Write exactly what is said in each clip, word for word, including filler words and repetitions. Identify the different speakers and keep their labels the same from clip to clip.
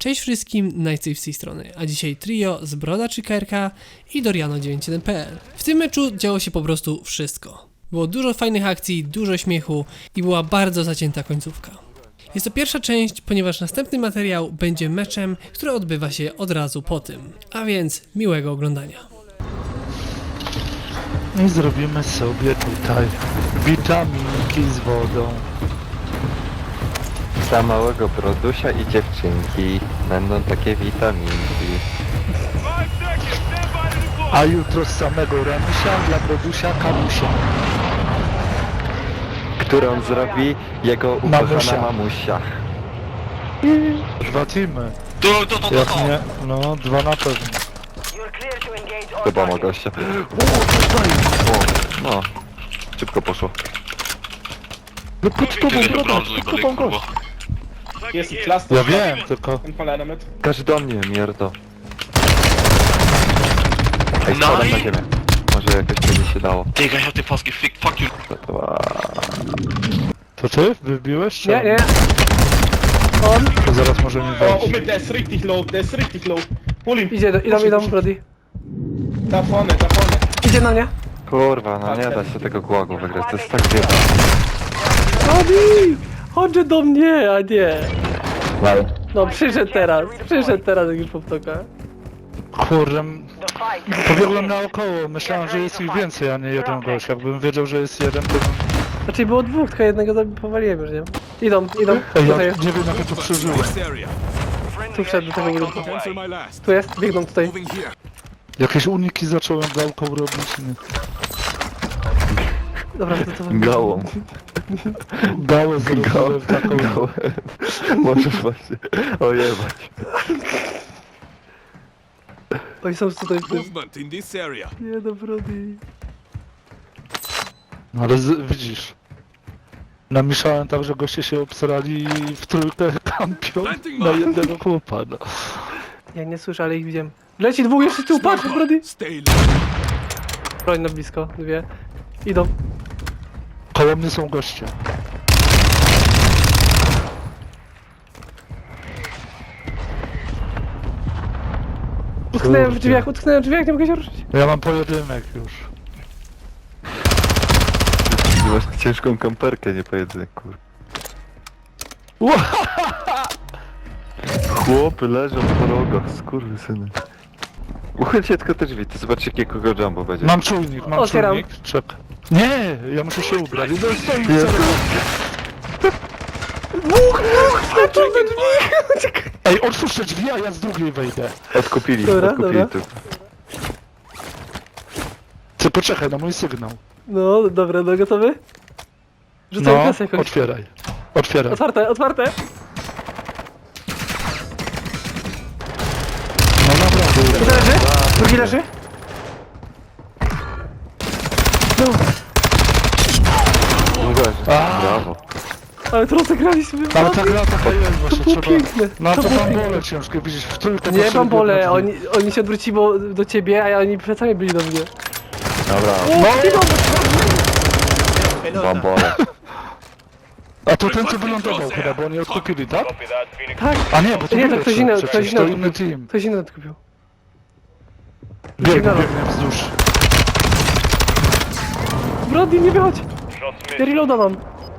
Speaker 1: Cześć wszystkim, Nightsafe z tej strony, a dzisiaj trio z Broda trzy K R K i Doriano dziewięćdziesiąt jeden P L. W tym meczu działo się po prostu wszystko. Było dużo fajnych akcji, dużo śmiechu i była bardzo zacięta końcówka. Jest to pierwsza część, ponieważ następny materiał będzie meczem, który odbywa się od razu po tym. A więc miłego oglądania.
Speaker 2: I zrobimy sobie tutaj witaminki z wodą.
Speaker 3: Dla małego brodusia i dziewczynki będą takie witaminki.
Speaker 2: A jutro z samego ranusia dla brodusia kamusia.
Speaker 3: Którą zrobi jego ukochana
Speaker 2: Mamusia.
Speaker 3: mamusia.
Speaker 2: Dwa teamy.
Speaker 4: To, to, to, to,
Speaker 2: Jak
Speaker 4: to.
Speaker 2: nie, no dwa na pewno.
Speaker 3: Chyba ma gościa. O, no. Szybko poszło.
Speaker 2: No pod tobą
Speaker 4: Tyle
Speaker 2: broda,
Speaker 4: brązu i
Speaker 2: pod tobą
Speaker 4: kurwa.
Speaker 2: gość.
Speaker 5: Hier ist ein Cluster.
Speaker 2: Ja wiem, tylko...
Speaker 5: Ein Pallaner mit.
Speaker 3: Każ do mnie, mierdo. Ej,
Speaker 4: Nein!
Speaker 3: spadam na ziemię. Może jakoś będzie się dało.
Speaker 4: Digga, ich hab den fast gefickt, fuck you.
Speaker 2: To ty? Wybiłeś? czy
Speaker 6: Nie,
Speaker 2: on?
Speaker 6: nie. On
Speaker 2: To zaraz możemy
Speaker 5: Oh,
Speaker 2: wejść.
Speaker 5: Umit, der ist richtig low, der ist richtig low. Hol ihn.
Speaker 6: idzie, do, idą,
Speaker 5: Push ihn,
Speaker 6: idą,
Speaker 5: push ihn.
Speaker 6: Brody.
Speaker 5: Da vorne, da vorne.
Speaker 6: Idzie na mnie.
Speaker 3: Kurwa, no nie da się tego głagu wygrać, to jest tak zjeba.
Speaker 6: Brody! Chodź do mnie, a nie. No przyszedł teraz, przyszedł teraz jak już poptoka.
Speaker 2: Kurde, pobiegłem naokoło, myślałem, że jest ich więcej, a nie jeden gość. Jakbym wiedział, że jest jeden, to bym...
Speaker 6: Znaczy było dwóch, tylko jednego zabi- powaliłem już, nie? Idą, idą,
Speaker 2: Ej,
Speaker 6: tutaj
Speaker 2: ja
Speaker 6: jest,
Speaker 2: nie wiem, jak ja to przeżyłem.
Speaker 6: tu wszedł do tego budynku. Tu jest, biegną tutaj.
Speaker 2: Jakieś uniki zacząłem gałką robić, nie?
Speaker 6: Dobra, to to...
Speaker 3: Gałą.
Speaker 2: Gałę zrobiłem taką...
Speaker 3: Gałę. Możesz właśnie ojebać.
Speaker 6: Oni są tutaj w tym.
Speaker 7: Movement in this area.
Speaker 6: Nie no, Brody.
Speaker 2: No ale z, widzisz, namieszałem tak, że goście się obsrali i w trójkę kampią na jednego chłopa, no.
Speaker 6: Ja nie słyszę, ale ich widziałem. Leci dwóch jeszcze tu, patrz, Brody.
Speaker 7: Stay low.
Speaker 6: Broń na blisko, dwie. Idą.
Speaker 2: Koło mnie są goście.
Speaker 6: Utknąłem w
Speaker 2: Kurde.
Speaker 6: drzwiach, utknąłem w drzwiach, nie mogę się ruszyć.
Speaker 2: Ja mam pojedynek już.
Speaker 3: Ty masz ciężką kamperkę, nie pojedynek, kur... Chłopy leżą po rogach, skurwysyny. Uchylcie tylko te drzwi, ty zobaczcie jakiego jumbo będzie.
Speaker 2: Mam czujnik, mam
Speaker 6: Otwieram.
Speaker 2: czujnik. Czek. Nie, ja muszę się ubrać. No stoi,
Speaker 3: Jezu.
Speaker 2: Ej, otwórz te drzwi, a ja z drugiej wejdę.
Speaker 3: Odkupili,
Speaker 6: Dobra,
Speaker 3: odkupili
Speaker 6: dobra.
Speaker 3: tu.
Speaker 2: Ty poczekaj na mój sygnał.
Speaker 6: No, dobra, no gotowy? Rzucaj
Speaker 2: No,
Speaker 6: kasę jakoś.
Speaker 2: otwieraj. Otwieraj.
Speaker 6: Otwarte, otwarte.
Speaker 2: No naprawdę.
Speaker 6: Jeden leży, drugi leży. No,
Speaker 3: A, brawo.
Speaker 6: ale to rozegraliśmy.
Speaker 2: Ale ta gra taka jest
Speaker 6: To
Speaker 2: właśnie,
Speaker 6: było
Speaker 2: trzeba...
Speaker 6: piękne.
Speaker 2: No
Speaker 6: To
Speaker 2: to
Speaker 6: było
Speaker 2: tam
Speaker 6: piękne.
Speaker 2: bole ciężkie, widzisz, w trójkę
Speaker 6: Nie
Speaker 2: poszli
Speaker 6: mam bole,
Speaker 2: biegną
Speaker 6: oni, oni się odwrócili bo- do ciebie, a oni plecami byli do mnie.
Speaker 3: Dobra,
Speaker 6: O, idą!
Speaker 3: bambole.
Speaker 2: A to ten co wylądował chyba, bo oni odkupili, tak?
Speaker 6: Tak,
Speaker 2: A nie, bo to
Speaker 6: Nie, to
Speaker 2: byłeś
Speaker 6: ktoś inny-
Speaker 2: przecież,
Speaker 6: ktoś inny
Speaker 2: to
Speaker 6: odkupił.
Speaker 2: inny team.
Speaker 6: ktoś inny odkupił.
Speaker 2: Biegnie,
Speaker 6: Sygnał.
Speaker 2: biegnie wzdłuż.
Speaker 6: Brody, nie wychodź! Ja reloada mam.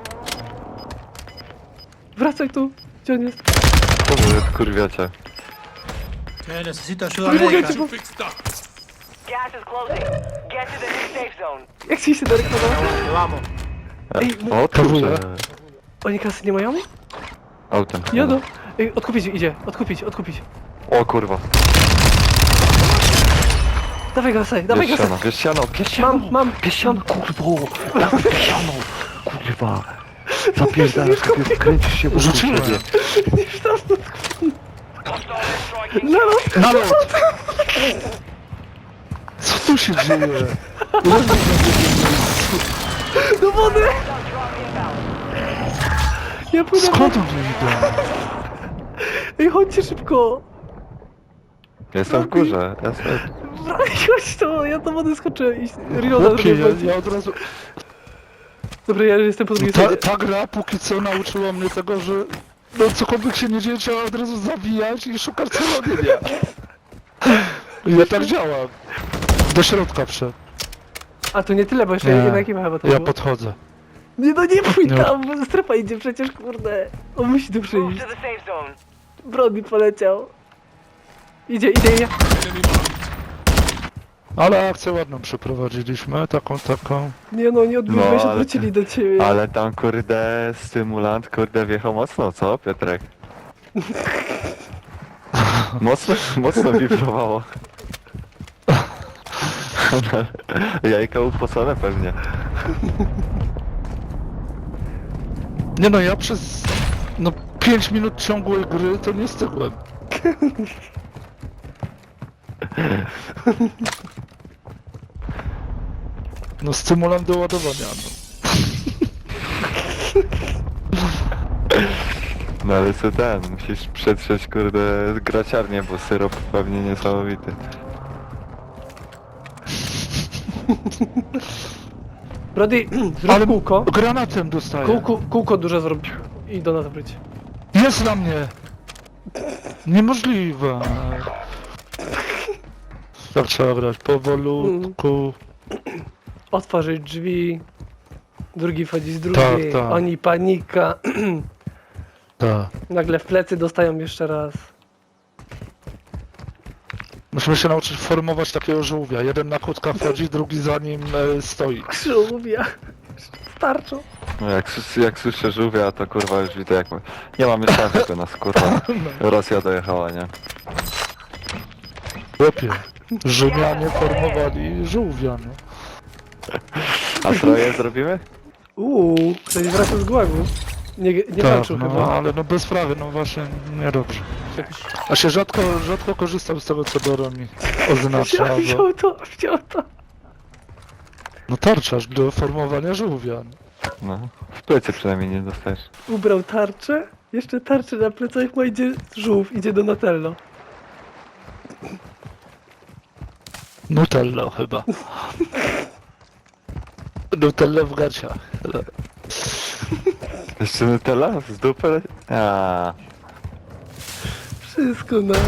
Speaker 6: Wracaj tu, gdzie on jest?
Speaker 3: To wy kurwiacie.
Speaker 6: Nie mogę cię, bo...
Speaker 7: Fix that.
Speaker 8: Gas is closing. Get to the new safe zone.
Speaker 6: Jak ci się Darek podoba? Ej,
Speaker 3: O,
Speaker 2: Kawuję.
Speaker 3: kurczę.
Speaker 6: Oni kasy nie mają?
Speaker 3: Autem.
Speaker 6: Jadą. Ej, odkupić, idzie, odkupić, odkupić.
Speaker 3: O kurwa.
Speaker 6: Dawaj gasaj, dawaj
Speaker 3: Bierz
Speaker 6: gasaj.
Speaker 3: siano, bierz siano, bierz siano.
Speaker 6: Mam, mam,
Speaker 3: Bierz siano, kurwo. Bierz siano, kurwa. Zapierdalasz, sobie kręcisz się wokół
Speaker 2: Rzuciłem.
Speaker 3: siebie.
Speaker 6: No,
Speaker 2: Na lot! Co tu się dzieje?
Speaker 6: do wody! Ja pójdę.
Speaker 2: Skąd oni idą?
Speaker 6: Ej, chodźcie szybko!
Speaker 3: Ja jestem w górze, ja sobie...
Speaker 6: Chodź to, ja do wody skoczę i reloada
Speaker 2: Chłopie,
Speaker 6: zrobię.
Speaker 2: ja, ja od razu...
Speaker 6: Dobra, ja jestem po drugiej
Speaker 2: Ta,
Speaker 6: stronie.
Speaker 2: ta gra póki co nauczyła mnie tego, że No cokolwiek się nie dzieje, trzeba od razu zawijać i szukać celowienia. Ja tak działam. Do środka wszedł.
Speaker 6: A tu nie tyle, bo jeszcze
Speaker 2: Nie.
Speaker 6: jedna ekipa chyba to
Speaker 2: Ja
Speaker 6: było.
Speaker 2: podchodzę.
Speaker 6: Nie no nie pójdź
Speaker 2: Nie.
Speaker 6: tam, bo strefa idzie przecież, kurde. On musi tu
Speaker 8: Move
Speaker 6: przyjść.
Speaker 8: to the safe zone.
Speaker 6: Brody poleciał. Idzie, idzie, idzie.
Speaker 2: Ale akcję ładną przeprowadziliśmy, taką, taką.
Speaker 6: Nie no, nie odbiły
Speaker 3: No,
Speaker 6: się,
Speaker 3: ale-
Speaker 6: odwrócili do ciebie.
Speaker 3: Ale tam kurde stymulant kurde wjechał mocno, co Piotrek? Mocno, mocno wibrowało. Jajka upocone pewnie.
Speaker 2: Nie no, ja przez no pięć minut ciągłej gry to nie stygłem. No stymulant do ładowania, no.
Speaker 3: No ale co ten, musisz przetrzeć kurde graciarnię, bo syrop pewnie niesamowity.
Speaker 6: Brody, zrób
Speaker 2: Ale
Speaker 6: kółko.
Speaker 2: granatem dostaję.
Speaker 6: Kółko, kółko duże zrób. I do nas wróć.
Speaker 2: Jest na mnie! Niemożliwe. Tak trzeba grać powolutku.
Speaker 6: Otworzyć drzwi. Drugi wchodzi z drugiej.
Speaker 2: Tak, tak.
Speaker 6: Oni panika.
Speaker 2: Tak.
Speaker 6: Nagle w plecy dostają jeszcze raz.
Speaker 2: Musimy się nauczyć formować takiego żółwia. Jeden na kłódka wchodzi, drugi za nim e, stoi.
Speaker 6: Żółwia. Starczą.
Speaker 3: No jak, słys- jak słyszę żółwia, to kurwa już widzę jak... Nie mam już szans, żeby nas kurwa Rosja dojechała, nie?
Speaker 2: Chłopie. Rzymianie formowali żółwia, no.
Speaker 3: A troje zrobimy?
Speaker 6: Uuu, ktoś wraca z gułagu. Nie, nie
Speaker 2: Tak,
Speaker 6: walczył
Speaker 2: no,
Speaker 6: chyba.
Speaker 2: ale no bez sprawy, no właśnie niedobrze. A się rzadko, rzadko korzystam z tego, co Doro mi oznacza,
Speaker 6: Wziął,
Speaker 2: bo...
Speaker 6: wziął to, wziął to.
Speaker 2: No tarczasz do formowania żółwia. No.
Speaker 3: No. W plecy przynajmniej nie dostajesz.
Speaker 6: Ubrał tarczę. Jeszcze tarczę na plecach, ma idzie żółw, idzie do Natello.
Speaker 2: Nutello chyba. Nutello w gaciach.
Speaker 3: Jeszcze Nutella? Z dupy? Aaaa.
Speaker 6: Wszystko naraz.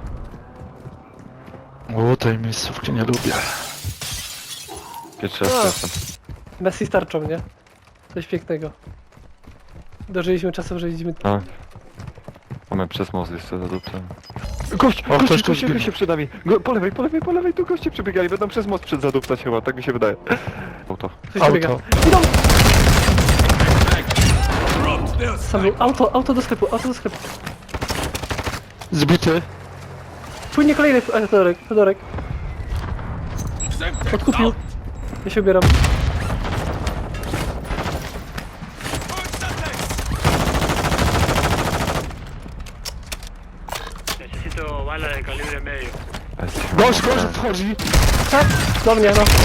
Speaker 2: O, tej miejscówki nie lubię.
Speaker 3: Pierwszy
Speaker 6: A.
Speaker 3: raz jestem.
Speaker 6: Messi z tarczą, nie? Coś pięknego. Dożyliśmy czasów, że widzimy...
Speaker 3: No. Mamy przez most jeszcze za dupę. Gość!
Speaker 2: O,
Speaker 3: goście,
Speaker 2: ktoś tu
Speaker 3: goście,
Speaker 2: zginął.
Speaker 3: goście przed nami! Go, po lewej, po lewej, po lewej, tu goście przebiegali, będą przez most przed zaduptać chyba, tak mi się wydaje. Auto.
Speaker 6: Coś tu biega.
Speaker 2: Auto.
Speaker 6: Idą! Sam był. Auto, auto do sklepu, auto do sklepu.
Speaker 2: Zbity.
Speaker 6: Płynie kolejny a, Fedorek, Fedorek. Odkupił. Ja się ubieram.
Speaker 2: Gość, gość wchodzi.
Speaker 6: Tak, do mnie, no.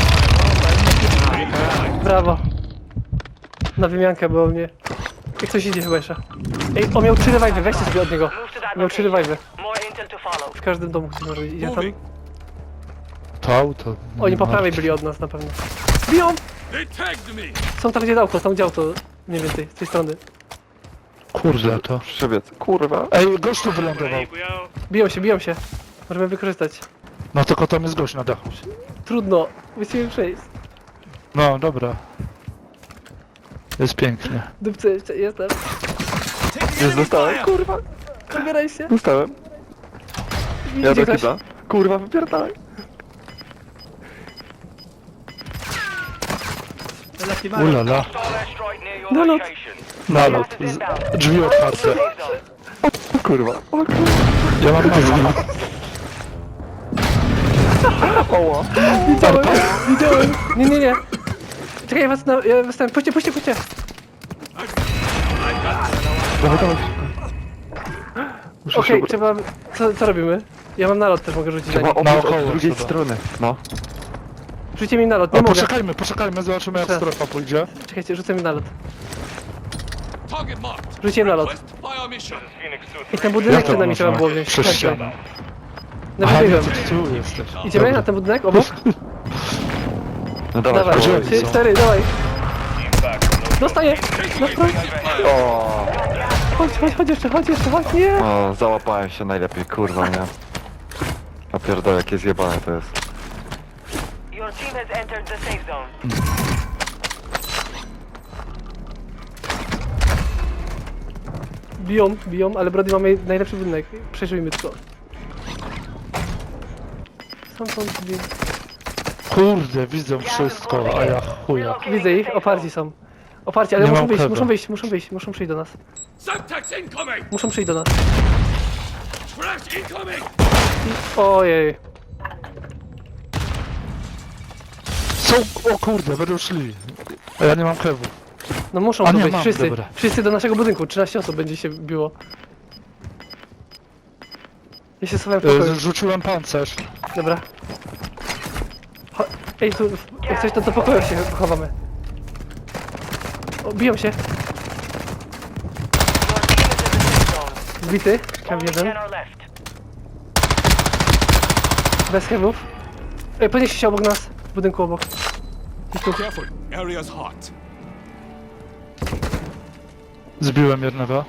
Speaker 6: Brawo. Na wymiankę było mnie. Jak coś idzie chyba jeszcze. Ej, on miał trzy revive'y, weźcie sobie od niego.
Speaker 8: Move to that
Speaker 6: Miał trzy
Speaker 8: location.
Speaker 6: revive'y.
Speaker 8: More intel to follow.
Speaker 6: W każdym domu ktoś może idzie tam.
Speaker 2: To auto.
Speaker 6: Oni po prawej byli od nas na pewno. Biją! Są tam gdzie dałko, tam gdzie auto. Mniej więcej, z tej strony.
Speaker 2: Kurde to.
Speaker 3: Przebiec. Kurwa.
Speaker 2: Ej, gość tu wylądował.
Speaker 6: Biją się, biją się. Możemy wykorzystać.
Speaker 2: No tylko tam jest gość na dachu.
Speaker 6: Trudno, musimy przejść.
Speaker 2: No, dobra. Jest pięknie.
Speaker 6: Dupce jeszcze, jestem.
Speaker 3: Jest, dostałem. Kurwa.
Speaker 6: Zabieraj się.
Speaker 3: Dostałem. Ja
Speaker 6: Idzie
Speaker 3: do
Speaker 6: ktoś.
Speaker 3: kibla. Kurwa, wypierdalaj.
Speaker 2: Ulala.
Speaker 8: Hostile airstrike near your
Speaker 6: No, no.
Speaker 8: location.
Speaker 2: Nalot.
Speaker 8: Gas is inbound.
Speaker 2: Z- Drzwi otwarte.
Speaker 8: Safe zone.
Speaker 3: O kurwa. O kurwa.
Speaker 2: Ja mam nazwę.
Speaker 3: Oła.
Speaker 6: Widziałem, widziałem. Nie, nie, nie. Czekaj, ja was na... Ja was tam... Puśćcie, puśćcie, puśćcie.
Speaker 3: Dawaj, dawaj. Muszę
Speaker 6: Okej,
Speaker 3: się...
Speaker 6: trzeba... Co, co robimy? Ja mam nalot też, mogę rzucić na
Speaker 3: Trzeba
Speaker 6: nich.
Speaker 3: obiec
Speaker 2: Naokoło
Speaker 3: od drugiej
Speaker 2: trzeba.
Speaker 3: strony. No.
Speaker 6: Rzućcie mi nalot, nie
Speaker 2: A
Speaker 6: mogę.
Speaker 2: poczekajmy, poczekajmy, zobaczymy jak
Speaker 6: Teraz.
Speaker 2: strefa pójdzie.
Speaker 6: Czekajcie, rzucę mi nalot. Rzuciłem nalot. I ten budynek
Speaker 2: Jak to
Speaker 6: przed nami trzeba
Speaker 2: można?
Speaker 6: było wziąć.
Speaker 2: Przez
Speaker 6: Chodźcie.
Speaker 2: ścianę.
Speaker 6: No
Speaker 2: Aha, nie,
Speaker 6: wybiegłem.
Speaker 2: ty tu jesteś.
Speaker 6: Idziemy
Speaker 2: Dobra.
Speaker 6: na ten budynek obok?
Speaker 3: No dawaj,
Speaker 6: Dawaj,
Speaker 2: gdzie
Speaker 3: dawaj.
Speaker 2: oni
Speaker 6: trzy,
Speaker 2: są?
Speaker 6: cztery, dawaj. Dostaję! No, no.
Speaker 3: O.
Speaker 6: chodź, chodź, chodź jeszcze, chodź jeszcze, chodź, nie!
Speaker 3: O, załapałem się najlepiej, kurwa, nie? A pierdolę, jakie zjebane to jest.
Speaker 8: Your team has entered the safe zone.
Speaker 6: Biją, biją, ale Brody mamy najlepszy budynek. Przejrzyjmy to. Stamtąd biją.
Speaker 2: Kurde, widzę wszystko, a ja chuja.
Speaker 6: Widzę ich, oparci są. Oparci, ale
Speaker 2: Nie
Speaker 6: muszą
Speaker 2: mam
Speaker 6: wyjść,
Speaker 2: chleba.
Speaker 6: muszą wyjść, muszą wyjść, muszą przyjść do nas. Muszą przyjść do nas. I, ojej.
Speaker 2: Są, o kurde, będą szli. A ja nie mam kewu.
Speaker 6: No muszą
Speaker 2: A
Speaker 6: tu
Speaker 2: nie,
Speaker 6: być,
Speaker 2: mam,
Speaker 6: wszyscy.
Speaker 2: dobra.
Speaker 6: Wszyscy do naszego budynku, trzynaście osób będzie się biło. Ja się schowałem w pokoju.
Speaker 2: E, Rzuciłem pancerz.
Speaker 6: Dobra. Cho Ej, tu, jak coś to do pokoju się chowamy. O, biją się.
Speaker 8: Your team is in the safe zone.
Speaker 6: Zbity, tam
Speaker 8: Only
Speaker 6: jeden.
Speaker 8: ten are left.
Speaker 6: Bez chemów. Ej, podnieście się obok nas, w budynku obok. Gdzieś tu.
Speaker 7: Careful, area's hot.
Speaker 2: Zbiłem jednego.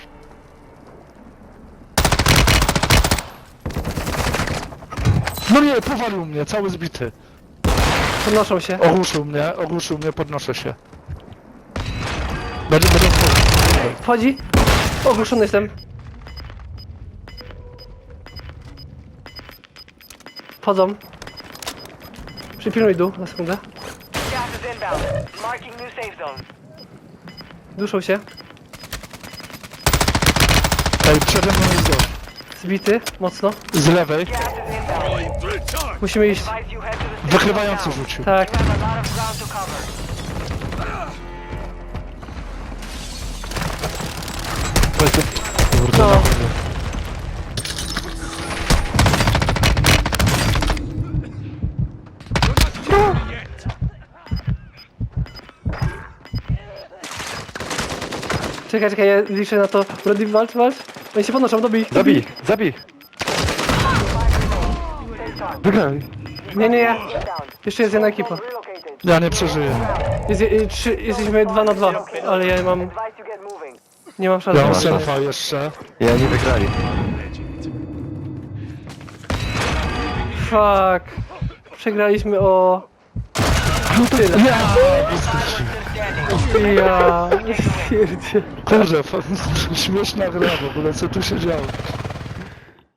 Speaker 2: No nie, powalił mnie, cały zbity.
Speaker 6: Podnoszą się.
Speaker 2: Ogłuszył mnie, ogłuszył mnie, podnoszę się. Będę, będę wchodził.
Speaker 6: Wchodzi. Ogłuszony jestem. Wchodzą. Przypilnuj dół na sekundę.
Speaker 8: Gas is inbound. Marking new safe zone.
Speaker 6: Duszą się.
Speaker 2: Ej, przede mną jest gość.
Speaker 6: Zbity, mocno.
Speaker 2: Z lewej,
Speaker 8: Gas is inbound.
Speaker 6: Musimy iść.
Speaker 8: Advise you head to the safe zone
Speaker 2: wykrywający
Speaker 8: now.
Speaker 2: rzucił.
Speaker 6: Tak.
Speaker 8: You have a lot of ground to cover.
Speaker 2: Kurde,
Speaker 6: No.
Speaker 2: no.
Speaker 6: Czekaj, czekaj, ja liczę na to. Brody, walcz, walcz. Oni się podnoszą, dobij ich.
Speaker 3: Zabij, zabij! Wygraj!
Speaker 6: Nie, nie, nie. Jeszcze jest jedna ekipa.
Speaker 2: Ja nie przeżyję.
Speaker 6: Jest, y, trzy, jesteśmy dwa na dwa, ale ja mam,
Speaker 8: Advise you get moving.
Speaker 6: nie mam szans.
Speaker 2: Ja mam
Speaker 3: Dobra.
Speaker 2: selfa jeszcze.
Speaker 3: I oni wygrali.
Speaker 6: Fuck. Przegraliśmy o... Tyle.
Speaker 2: Ja!
Speaker 6: Ja... Stwierdzie.
Speaker 2: Kurde, śmieszna gra w ogóle, co tu się działo.